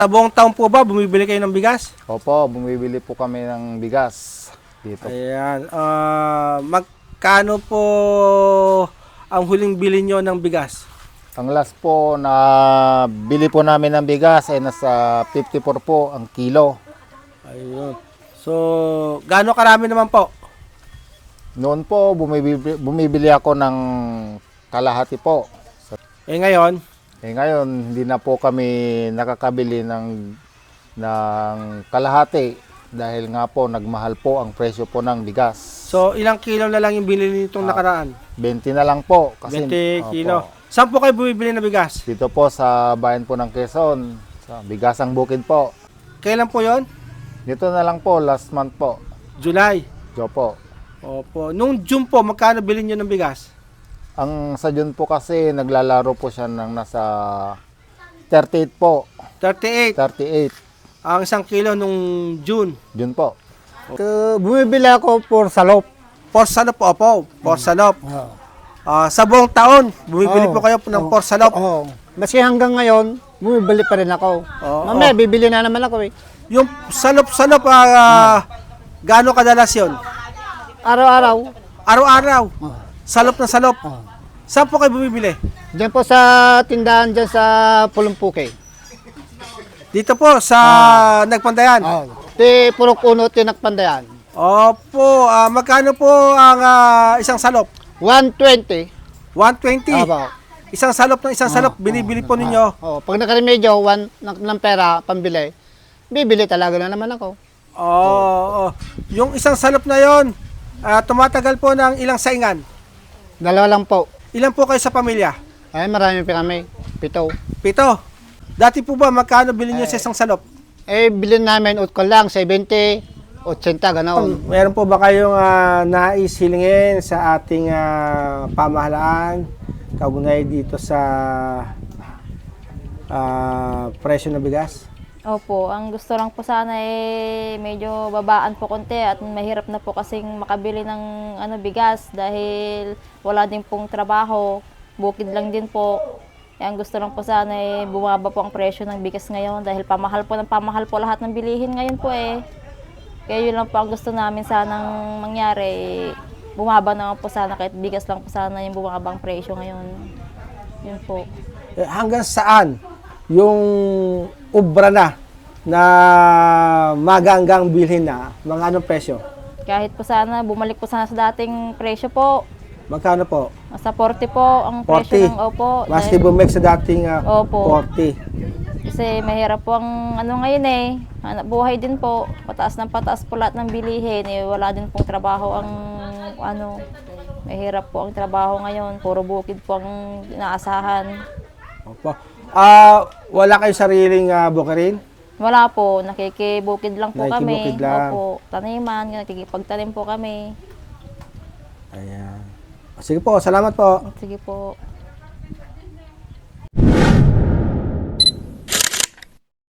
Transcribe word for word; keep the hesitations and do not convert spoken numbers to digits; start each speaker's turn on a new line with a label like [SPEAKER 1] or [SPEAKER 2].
[SPEAKER 1] Sa buong taon po ba, bumibili kayo ng bigas?
[SPEAKER 2] Opo, bumibili po kami ng bigas dito.
[SPEAKER 1] Ayan. Ah, magkano po ang huling bili nyo ng bigas?
[SPEAKER 2] Ang last po na bili po namin ng bigas ay nasa fifty-four po ang kilo.
[SPEAKER 1] Ayun. So, gaano karami naman po?
[SPEAKER 2] Noon po, bumibili, bumibili ako ng kalahati po.
[SPEAKER 1] Eh ngayon,
[SPEAKER 2] Eh ngayon, hindi na po kami nakakabili ng, ng kalahati dahil nga po nagmahal po ang presyo po ng bigas.
[SPEAKER 1] so ilang kilo na lang yung binili nitong
[SPEAKER 2] Ah,
[SPEAKER 1] nakaraan?
[SPEAKER 2] twenty na lang po. Kasi,
[SPEAKER 1] twenty
[SPEAKER 2] opo,
[SPEAKER 1] kilo. Saan po kayo bumibili ng bigas?
[SPEAKER 2] Dito po sa bayan po ng Quezon, sa Bigasang Bukid po.
[SPEAKER 1] Kailan po yon?
[SPEAKER 2] Dito na lang po, last month po.
[SPEAKER 1] July.
[SPEAKER 2] Jo po.
[SPEAKER 1] Opo. Nung June po, magkano bilhin nyo ng bigas?
[SPEAKER 2] Ang sa June po kasi naglalaro po siya ng nasa thirty-eight po.
[SPEAKER 1] thirty-eight.
[SPEAKER 2] thirty-eight.
[SPEAKER 1] Ang isang kilo nung June.
[SPEAKER 2] June po.
[SPEAKER 3] Uh, bumibili ako for salop.
[SPEAKER 1] For salop po, opo. For salop.
[SPEAKER 3] Oh.
[SPEAKER 1] Ah, sa buong taon, bumibili
[SPEAKER 3] Oo.
[SPEAKER 1] po kayo ng for salop.
[SPEAKER 3] Oo. Maski hanggang ngayon, bumibili pa rin ako.
[SPEAKER 1] Oo.
[SPEAKER 3] Mamaya, bibili na naman ako eh.
[SPEAKER 1] Yung salop-salop, ah, gaano kadalas yun?
[SPEAKER 3] Araw-araw.
[SPEAKER 1] Araw-araw.
[SPEAKER 3] Oh.
[SPEAKER 1] Salop na salop.
[SPEAKER 3] Oh.
[SPEAKER 1] Saan po kayo bumibili?
[SPEAKER 3] Diyan po sa tindahan dyan sa Pulumpuke.
[SPEAKER 1] Dito po, sa Nagpandayan.
[SPEAKER 3] Oh. Ti Purok Uno, Tinakpandayan.
[SPEAKER 1] Opo, ah, magkano po ang ah, isang salop?
[SPEAKER 3] one twenty.
[SPEAKER 1] one twenty.
[SPEAKER 3] Aba.
[SPEAKER 1] Isang salop ng isang salop, binibili po ninyo.
[SPEAKER 3] Oh, pag nakaremedyo, one ng, ng pera, pambili, bibili talaga na naman ako.
[SPEAKER 1] Oo. Yung isang salop na yon, ah, tumatagal po ng ilang saingan.
[SPEAKER 3] Dalawa lang po.
[SPEAKER 1] Ilan po kayo sa pamilya?
[SPEAKER 3] Ay, marami pa kami. Pito.
[SPEAKER 1] Pito. Dati po ba, magkano bilhin nyo sa isang salop?
[SPEAKER 3] Eh, bilhin namin, ut ko lang, seventy, eighty, ganoon.
[SPEAKER 1] Meron po ba kayong ah, nais hilingin sa ating ah, pamahalaan kaugnay dito sa ah, presyo ng bigas?
[SPEAKER 4] Opo, ang gusto lang po sana eh medyo babaan po konti at mahirap na po kasing makabili ng ano bigas dahil wala din pong trabaho, bukid lang din po. Eh, ang gusto lang po sana eh bumaba po ang presyo ng bigas ngayon dahil pamahal po ng pamahal po lahat ng bilihin ngayon po eh. Kaya yun lang po ang gusto namin sanang mangyari, eh, bumaba naman po sana kahit bigas lang po sana yung bumaba ang presyo ngayon. Yun po.
[SPEAKER 1] Eh, hanggang saan yung ubra na na maganggang bilhin na mga anong presyo?
[SPEAKER 4] Kahit po sana bumalik po sana sa dating presyo po.
[SPEAKER 1] Magkano po?
[SPEAKER 4] Nasa forty po ang
[SPEAKER 1] forty.
[SPEAKER 4] presyo ng opo.
[SPEAKER 1] Maski
[SPEAKER 4] dahil-
[SPEAKER 1] bumalik sa dating ah,
[SPEAKER 4] Opo.
[SPEAKER 1] forty.
[SPEAKER 4] Kasi mahirap po ang ano ngayon eh. Hanap buhay din po. Pataas ng pataas po lahat ng bilihin. Eh, wala din pong trabaho ang ano. Mahirap po ang trabaho ngayon. Puro bukid po ang inaasahan.
[SPEAKER 1] Opo. Ah, wala kayo sariling uh, bukirin?
[SPEAKER 4] Wala po. Nakikibukid lang po kami.
[SPEAKER 1] Nakikibukid lang.
[SPEAKER 4] Opo. Taniman. Nakikipagtanim po kami.
[SPEAKER 1] Ayan. Sige po, salamat po.
[SPEAKER 4] Sige po.